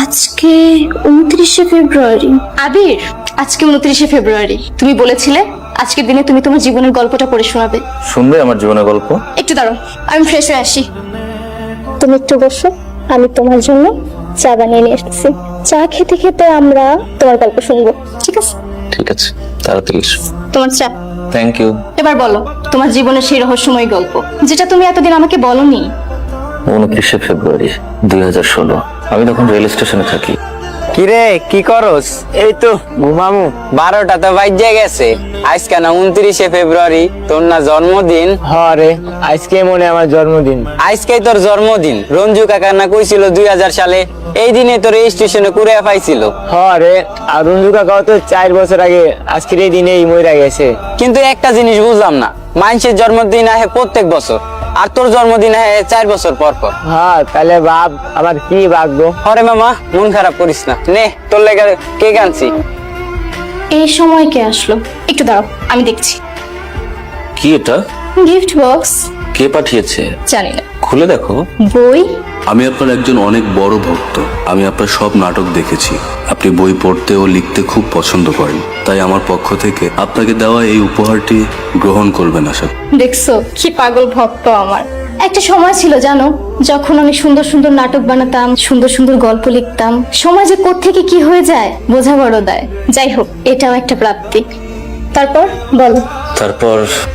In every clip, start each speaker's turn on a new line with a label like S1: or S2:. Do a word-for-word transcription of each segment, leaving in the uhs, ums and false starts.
S1: আজকে উনত্রিশে ফেব্রুয়ারি।
S2: আবির, আজকে উনত্রিশে ফেব্রুয়ারি। তুমি বলেছিলে আজকের দিনে তুমি তোমার জীবনের গল্পটা পড়ে শোনাবে।
S3: শুনবে আমার জীবনের গল্প?
S2: একটু দাঁড়াও, আমি ফ্রেশ হয়ে আসি।
S1: তুমি একটু বসো, আমি তোমার জন্য চা বানিয়ে নিয়ে এসেছি। চা খেতে খেতে আমরা তোমার গল্প শুনবো, ঠিক আছে?
S3: ঠিক আছে, তাড়াতাড়ি এসো।
S2: তোমার চা।
S3: Thank you.
S2: এবার বলো তোমার জীবনের সেই রহস্যময় গল্প, যেটা তুমি এতদিন আমাকে বলনি।
S3: উনত্রিশে ফেব্রুয়ারি দুই হাজার ষোলো আমি তখন রেল স্টেশনে থাকি।
S4: কিরে কি করস? এই তো ঘুমামু। বারোটা তো বাজে গেছে। আজকে না উনত্রিশে ফেব্রুয়ারি, তোর না জন্মদিন?
S5: হরে আজকে মনে আমার জন্মদিন।
S4: আজকেই তোর জন্মদিন। রঞ্জু কাকা না কইছিল দুই হাজার সালে এই দিনে তোর এই স্টেশনে কুড়ে পাইছিল।
S5: হরে আর রঞ্জু কাকাও তো চার বছর আগে আজকের এই দিনেই মইরা গেছে।
S4: কিন্তু একটা জিনিস বুঝলাম না, মানুষের জন্মদিন আহে প্রত্যেক বছর, আর তোর জন্মদিন আহে চার বছর পর পর।
S5: হ্যাঁ তাহলে বাপ আমার কি ভাগ্য।
S4: হরে মামা, মন খারাপ করিস না, নে তোর লেগে কেক আনছি।
S2: এই সময় কে আসলো? একটু দাঁড়াও, আমি দেখছি।
S3: কি এটা?
S2: Gift box.
S3: কে পাঠিয়েছে?
S2: জানি না।
S3: খুলে দেখো।
S2: বই?
S6: আমি আপনার একজন অনেক বড় ভক্ত। আমি আপনার সব নাটক দেখেছি। আপনি বই পড়তে ও লিখতে খুব পছন্দ করেন, তাই আমার পক্ষ থেকে আপনাকে দেওয়া এই উপহারটি গ্রহণ করবেন আশা করি।
S2: দেখছো কি পাগল ভক্ত আমার। একটা সময় ছিল জানো, যখন আমি সুন্দর সুন্দর নাটক বানাতাম, সুন্দর সুন্দর গল্প লিখতাম। সমাজে কোত্থেকে কি হয়ে যায় বোঝা বড় দায়। যাই হোক, এটাও একটা প্রাপ্তি। তারপর বলো।
S3: তারপর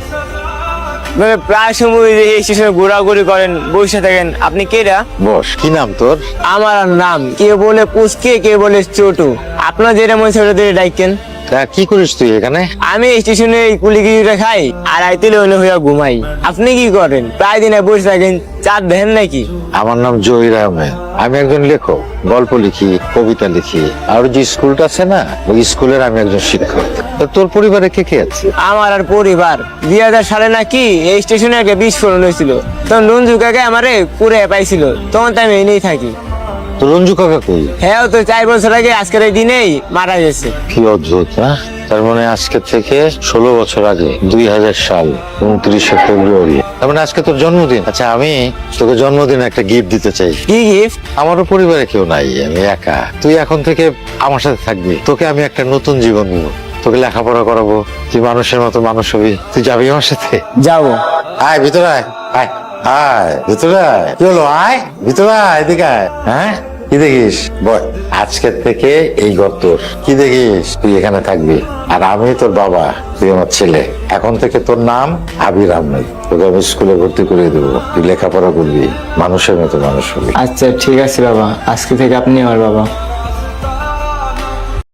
S5: মানে প্রায় সময় যে এই স্টেশনে ঘোরাঘুরি করেন, বসে থাকেন, আপনি কেরা?
S7: বস, কি নাম তোর?
S5: আমার নাম কে বলে পুচকে, কে বলে ছোটু। আপনার যেটা মনে ছোট দিয়ে ডাইকেন।
S7: তা কি করিস তুই এখানে?
S5: আমি স্টেশনে কুলিগিরিটা খাই আর আইতেলে অন্য হইয়া ঘুমাই। আপনি কি করেন? প্রায় দিনে বসে থাকেন, চাঁদ দেখেন নাকি?
S7: আমার নাম জহির আহমেদ। আমি একজন লেখক, গল্প লিখি, কবিতা লিখি। আর যে স্কুলটা আছে না, ওই স্কুলের আমি একজন শিক্ষক। তা তোর পরিবারে কে কে আছে?
S5: আমার আর পরিবার দুই হাজার সালে নাকি এই স্টেশনে একটা বিস্ফোরণ হয়েছিল। তখন রঞ্জু কাকা আমারে পুরে পাইছিল, তখন তো আমি এনেই থাকি।
S7: তো রঞ্জু কাকা কই?
S5: হ্যাঁ, তো চার বছর আগে আজকের এই দিনেই মারা গেছে।
S7: কি অদ্ভুত না? তার মানে আজকে থেকে ষোলো বছর আগে, দুই হাজার সাল উনত্রিশে ফেব্রুয়ারি, তার মানে আজকে তোর জন্মদিন। আচ্ছা, আমি তোকে জন্মদিনে একটা গিফট দিতে চাই।
S5: কি গিফট?
S7: আমারও পরিবারে কেউ নাই, আমি একা। তুই এখন থেকে আমার সাথে থাকবি। তোকে আমি একটা নতুন জীবন দিব। তোকে লেখাপড়া করাবো, তুই মানুষের মতো মানুষ হবি। তুই যাবি আমার সাথে?
S5: যাবো।
S7: আয় ভিতরে আয়, আয় আয় ভিতরে আয়। কি হলো? আয় ভিতরে আয়, এদিকে আয়। হ্যাঁ, কি দেখিস? বল, আজকের থেকে এই ঘর তোর। কি দেখিস? তুই এখানে থাকবি, আর আমি তোর বাবা, তুই আমার ছেলে। এখন থেকে তোর নাম আবির আহমেদ। তোকে আমি স্কুলে ভর্তি করে দেবো, তুই লেখাপড়া করবি, মানুষের মতো মানুষ হবি।
S5: আচ্ছা ঠিক আছে বাবা, আজকে থেকে আপনি আমার বাবা।